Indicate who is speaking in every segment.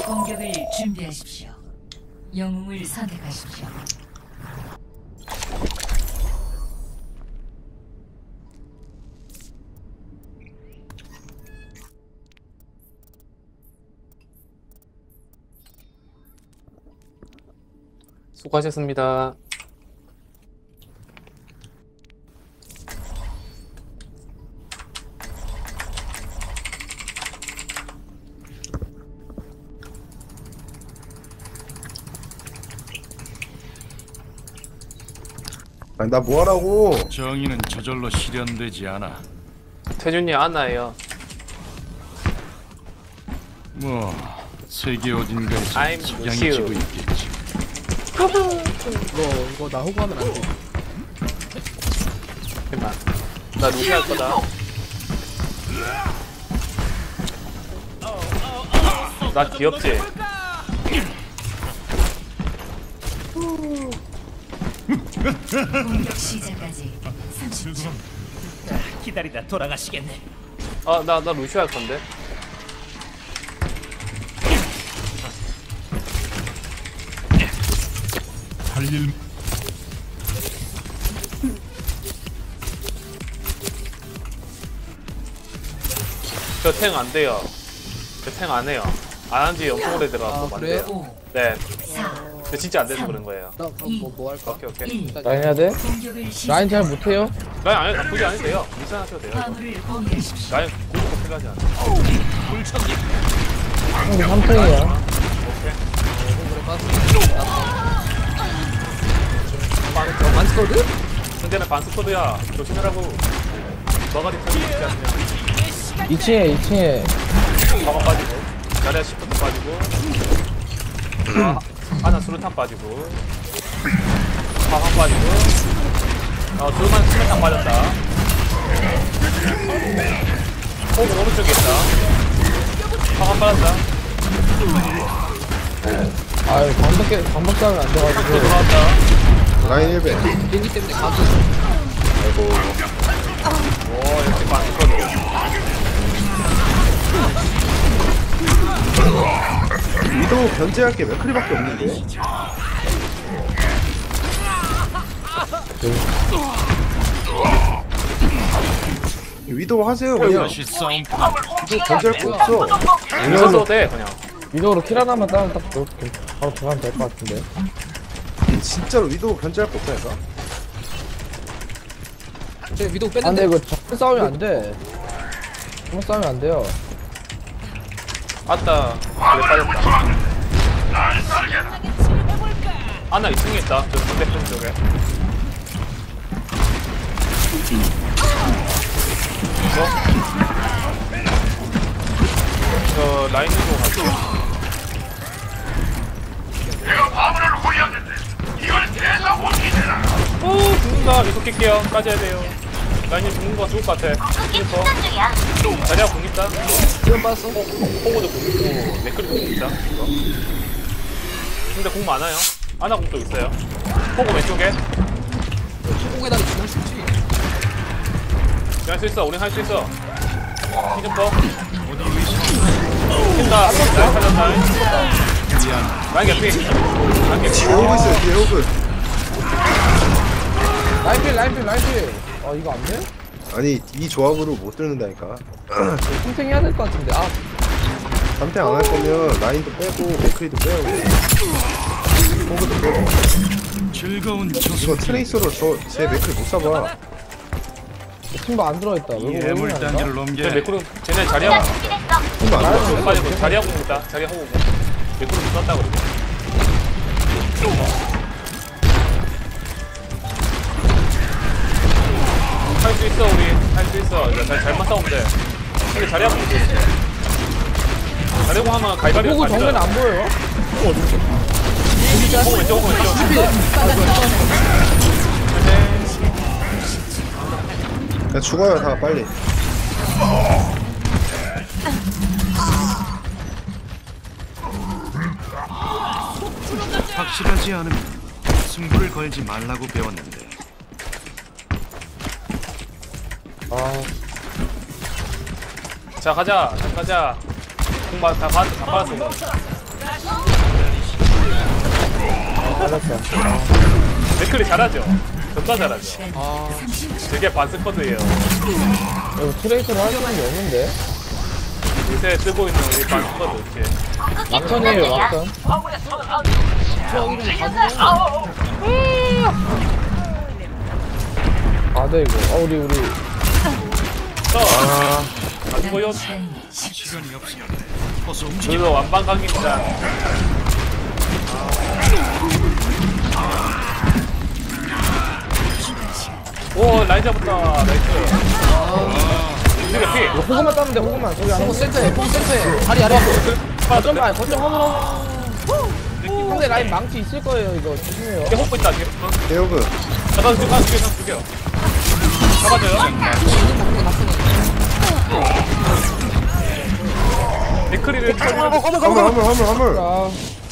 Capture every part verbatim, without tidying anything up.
Speaker 1: 공격을 준비하십시오. 영웅을 선택하십시오.
Speaker 2: 수고하셨습니다.
Speaker 3: 아니 나 뭐하라고.
Speaker 4: 정의는 저절로 실현되지 않아.
Speaker 2: 태준이 아나예요.
Speaker 4: 뭐 세계 어딘가에서
Speaker 2: I'm
Speaker 4: 석양이
Speaker 2: Lucio.
Speaker 4: 지고 있겠지.
Speaker 5: 이거 이거 나 호구하면 안 돼.
Speaker 2: 잠깐만. 나 루시 할 거다. 나 귀엽지?
Speaker 1: 공격 시작까지 삼십 초.
Speaker 6: 기다리다 돌아가시겠네.
Speaker 2: 아, 나, 나 루시 할 건데.
Speaker 4: 할일
Speaker 2: 저 탱 안 돼요. 저 탱 안 해요. 안 한 지 엄청 오래 돼가지고
Speaker 5: 아,
Speaker 2: 안
Speaker 5: 그래요?
Speaker 2: 돼요.
Speaker 1: 오,
Speaker 2: 네.
Speaker 1: 사,
Speaker 2: 근데 진짜 안 돼서 그런 거예요.
Speaker 5: 나 그럼 뭐, 뭐 할까?
Speaker 2: 오케이, 오케이.
Speaker 1: 일.
Speaker 7: 라인 해야 돼?
Speaker 1: 공격을
Speaker 7: 라인 잘
Speaker 1: 시작.
Speaker 7: 못해요?
Speaker 2: 라인 안 해, 굳이 안 해도 돼요. 미션 하셔도 돼요. 이거.
Speaker 1: 화물을 공유하십시오.
Speaker 2: 라인 굳이 꼭 필요하지 않아.
Speaker 7: 형도 삼 등이야.
Speaker 5: 어, 만스코드?
Speaker 2: 상대는 반스코드야. 조심해라고. 머가리 터지지 않으면.
Speaker 7: 이 층에 이 층에
Speaker 2: 가방 빠지고. 자리야 시프트 빠지고. 아, 하나 수류탄 빠지고. 가방 빠지고. 어, 둘만 수류탄 빠졌다. 호그 오른쪽에 있다. 가방 빠졌다.
Speaker 7: 아유 방밖에 방밖에 안 돼가지고
Speaker 2: 또 들어왔다.
Speaker 3: 라인 일 배.
Speaker 5: 비행기 때문에 가서
Speaker 3: 아이고.
Speaker 2: 오, 역시 반스코드.
Speaker 3: 위도우 견제할 게 맥크리밖에 없는데. 위도우 하세요 그냥.
Speaker 4: 다시 싸움.
Speaker 3: 위도우 견제할 거 없어.
Speaker 2: 이거 돼, 그냥.
Speaker 7: 위도우로 킬 하나만 따면 딱 그- 그- 바로 들어가면 될 것 같은데.
Speaker 3: 진짜로 위도우 견제할 거 없다니까.
Speaker 5: 제 위도우
Speaker 7: 아 근데
Speaker 5: 뺐는데
Speaker 7: 이거 정면 싸우면 안 돼. 정면 싸우면 안 돼요.
Speaker 2: 아따, 그래 빠졌다. 아나 이 층에 있다. 저 반대편 쪽에. 이거? 저 라인으로 가죠. 오, 죽는다. 계속 깰게요. 빠져야 돼요. 라인이 죽는 거 죽을 것 같아. 슬퍼. 자리야 공 있다.
Speaker 5: 지금 봤어?
Speaker 2: 호구도 공 있고, 맥클도 공 있다. 이거. 근데 공 많아요. 아나 공도 있어요. 호구 왼쪽에.
Speaker 5: 공에다 죽을 수 있지.
Speaker 2: 할 수 있어. 우린 할 수 있어. 히든퍼. 킨다. 라인 살렸다. 라인 개피. 라인 개피.
Speaker 3: 뒤에 오고 있어요. 뒤에 오고.
Speaker 7: 라인필 라인필 라인필. 아 이거 안 돼?
Speaker 3: 아니 이 조합으로 못 뚫는다니까.
Speaker 7: 탱탱 해야 될 것 같은데. 아
Speaker 3: 삼탱 안 할 거면 라인도 빼고 맥크리도 빼고 호그도 빼고.
Speaker 4: 즐거운
Speaker 3: 이거
Speaker 4: 조수.
Speaker 3: 트레이서로 저 제 맥크리 못 잡아.
Speaker 7: 팀도 안 들어있다. 왜
Speaker 4: 예물
Speaker 7: 왜 그러냐,
Speaker 4: 단계를
Speaker 2: 쟤
Speaker 4: 넘겨.
Speaker 2: 맥크로, 쟤네 자리야.
Speaker 3: 팀도 안 잡아.
Speaker 2: 빠지고, 자리야 공 있다. 자리야 호구 공. 맥크로 썼다 그러고. 할 수 있어, 우리. 할 수 있어. 이제 잘, 잘만 싸우면 돼. 근데 자리야 공 있어. 자리야 공 하면 가위바위보
Speaker 7: 호구
Speaker 2: 가지잖아.
Speaker 7: 정면 안 보여요?
Speaker 2: 호구 왼쪽, 호구 왼쪽.
Speaker 3: 그냥 죽어요 다 빨리.
Speaker 4: 확실하지 않으면 승부를 걸지 말라고 배웠는데.
Speaker 7: 아
Speaker 2: 자, 가자. 자, 가자. 공다 다 받았어, 다 받았어. 이거.
Speaker 7: 잘했어.
Speaker 2: 맥클이 잘하죠? 존나 잘하죠?
Speaker 1: 시간
Speaker 5: 아
Speaker 1: 삼십 초.
Speaker 2: 되게 반스쿼드예요.
Speaker 7: 이거 트레이서를 할 수 있는 게 없는데?
Speaker 2: 요새 뜨고 있는 우리 반스쿼드 이렇게.
Speaker 7: 막턴이에요, 막턴.
Speaker 5: 추억 이름 가지고
Speaker 7: 아, 네, 이거. 아, 우리, 우리.
Speaker 2: 저
Speaker 3: 아
Speaker 2: 가지고요.
Speaker 1: 남은 시간 십 초.
Speaker 4: 시간이 없으려네. 어서 움직여.
Speaker 2: 그리고 완방 강입니다. 오 라인 잡았다. 나이스. 우리가 피.
Speaker 7: 이거 호그만 따면 돼, 호그만. 저기 안
Speaker 5: 뽕
Speaker 7: 오고.
Speaker 5: 센터에 뽕 센터에 다리 아래
Speaker 7: 거점 가, 거점 화물하고. 상대 라인 망치 있을 거예요, 이거. 조심해요.
Speaker 2: 이게 호흡 있다. 지금.
Speaker 3: 대호그
Speaker 2: 잠깐 죽여, 죽여, 죽여, 죽여. 잡아줘요. 데크리를 처리하고
Speaker 3: 화물 화물 화물 화물
Speaker 7: 아,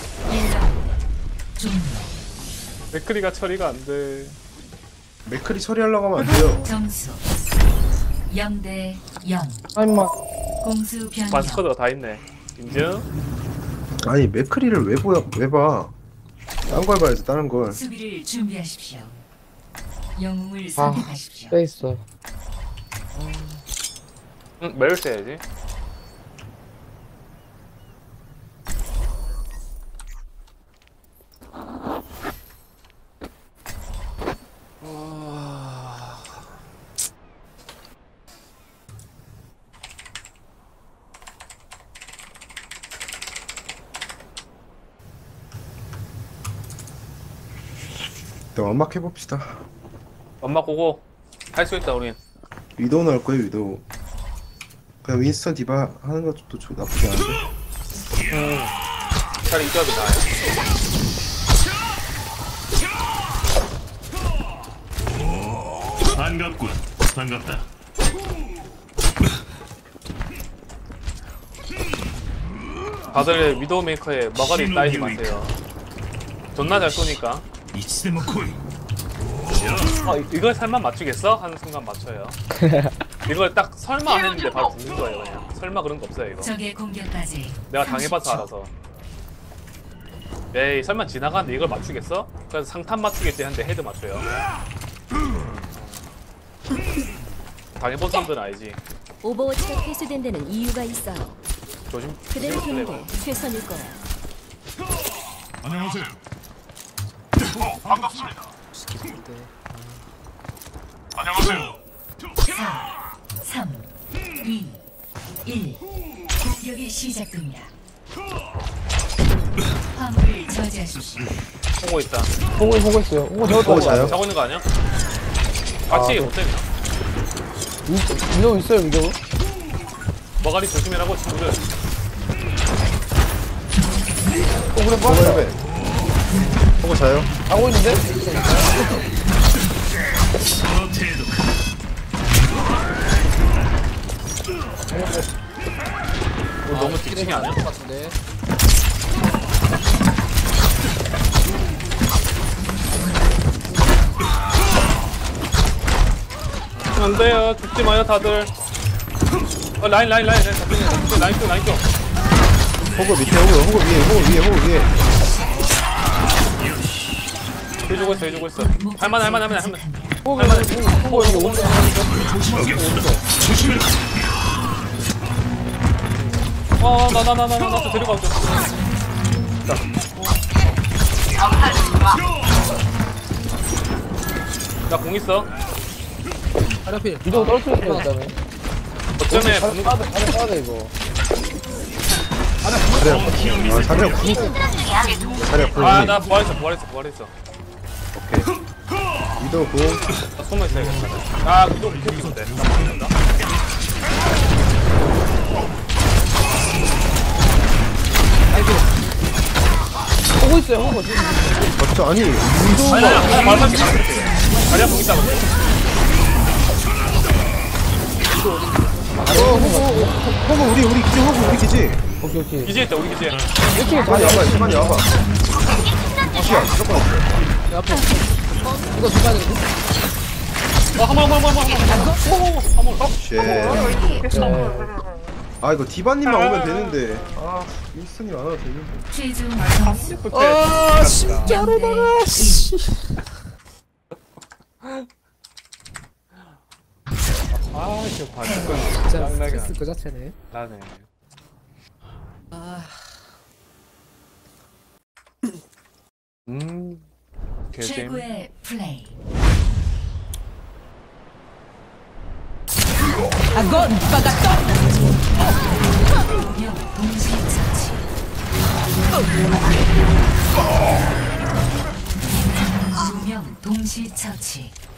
Speaker 2: 데크리가 처리가 안 돼.
Speaker 3: 맥클이 처리하려고 하면 안 돼요.
Speaker 1: 점수 영 대 영.
Speaker 7: 아, 임마.
Speaker 1: 공수 변경.
Speaker 2: 반스쿼드가 다 있네. 인증.
Speaker 3: 아니 맥클이를 왜 보여 왜 봐? 딴 걸 봐야지 다른 걸.
Speaker 1: 수비를 준비하십시오. 영웅을
Speaker 7: 아,
Speaker 1: 선택하십시오.
Speaker 7: 빼 있어.
Speaker 2: 응, 매일 써야지.
Speaker 3: 일단 완막 해봅시다.
Speaker 2: 엄마 고고 할 수 있다 우린.
Speaker 3: 위도우 나올 거예요 위도우. 그냥 윈스턴 디바 하는 것도 좀 나쁘지 않은데.
Speaker 2: 차라리 이 조합이 나아요.
Speaker 4: 반갑군. 반갑다.
Speaker 2: 다들 위도우 메이커에 머가리 따이지 마세요. 존나 잘 쏘니까.
Speaker 4: 이치데모 코이.
Speaker 2: 어, 이- 이걸 설마 맞추겠어? 하는 순간 맞춰요. 이걸 딱 설마 안 했는데 바로 죽는 거예요 그냥. 설마 그런 거 없어요 이거.
Speaker 1: 적의 공격까지
Speaker 2: 내가 당해봐서
Speaker 1: 삼십 초.
Speaker 2: 알아서. 에이 설마 지나가는데 이걸 맞추겠어? 그래서 상탄 맞추겠지 했는데 헤드 맞춰요. 당해본 사람들은 알지.
Speaker 8: 오버워치가 폐쇄된 데는 이유가 있어요.
Speaker 2: 조심.
Speaker 8: 그대로
Speaker 2: 조심
Speaker 8: 두는
Speaker 2: 플레이어.
Speaker 8: 게 최선일 거야.
Speaker 4: 안녕하세요. 안녕하세요.
Speaker 1: 사, 삼, 이, 일. 공격이 시작됩니다. 화물을 저지하십시오.
Speaker 2: 보고 있다.
Speaker 7: 호그, 호그 있어요. 호그
Speaker 3: 호그
Speaker 7: 저거
Speaker 3: 자요?
Speaker 2: 자고 있는 거 아니야? 같이
Speaker 7: 네.
Speaker 2: 못해 그냥.
Speaker 7: 위도우 있어요, 위도우.
Speaker 2: 머가리 조심해라고 친구들.
Speaker 7: 호그를
Speaker 3: 호그
Speaker 7: 빠져.
Speaker 3: 헬베. 호그 자요?
Speaker 7: 하고 있는데?
Speaker 2: 어, 너무 뒷칭이 아니야?
Speaker 5: 것 같은데.
Speaker 2: 안 돼요. 죽지 마요 다들. 어, 라인 라인 라인 라인 잡히네. 잡히네. 라인 쪽 라인 쪽.
Speaker 3: 호그 밑에 호그 호그 위에 호그 위에 호그 위에.
Speaker 2: 해주고 있어 해주고 있어. 할만 할만 할만 할만.
Speaker 7: 호그, 호그, 호그, 이거 오른쪽.
Speaker 2: 어나나나나나 데리고 가죠. 나공 있어.
Speaker 5: 하려필
Speaker 7: 위도우 떨어뜨렸어요, 일단은.
Speaker 2: 어쩌면
Speaker 7: 잘 빠져, 잘 빠져, 이거.
Speaker 3: 자리야. 아 자리야 구. 자리야 구.
Speaker 2: 아나 부활했어 부활했어 부활했어.
Speaker 3: 오케이. 위도우 구.
Speaker 2: 나 숨어 있어야겠다. 아 이거 밑에 있는데. 나 맞는다.
Speaker 7: 호그 있어요, 호그. 지금.
Speaker 3: 맞죠? 아니
Speaker 2: 아니
Speaker 3: 위도우가.
Speaker 2: 아니 아니 말만 좀 자리야 공 있다 근데.
Speaker 3: 어 호그 호그 호그 우리 우리 기지 호그 우리 기지.
Speaker 7: 오케이, 오케이.
Speaker 2: 기지에 있다 우리 기지에.
Speaker 7: 이렇게
Speaker 3: 빨리
Speaker 7: 다
Speaker 3: 와봐 시간이 와봐. 시야 무조건 없어.
Speaker 5: 앞에 이거 중간에
Speaker 2: 어 한번 한번 한번 한번 한번.
Speaker 3: 쉣. 아 이거 디바님만 오면 되는데. 아 윈스턴이 안 와도 되는데.
Speaker 1: 최종 점수
Speaker 5: 아 진짜로다가 씨.
Speaker 2: 아, 저 반칙
Speaker 5: 진짜
Speaker 2: 짱나게
Speaker 5: 스트레스 그 자체네.
Speaker 2: 나네.
Speaker 5: 아
Speaker 2: 음, 개잼.
Speaker 1: 최고의 플레이. 두명 동시 처치. 두명 동시 처치.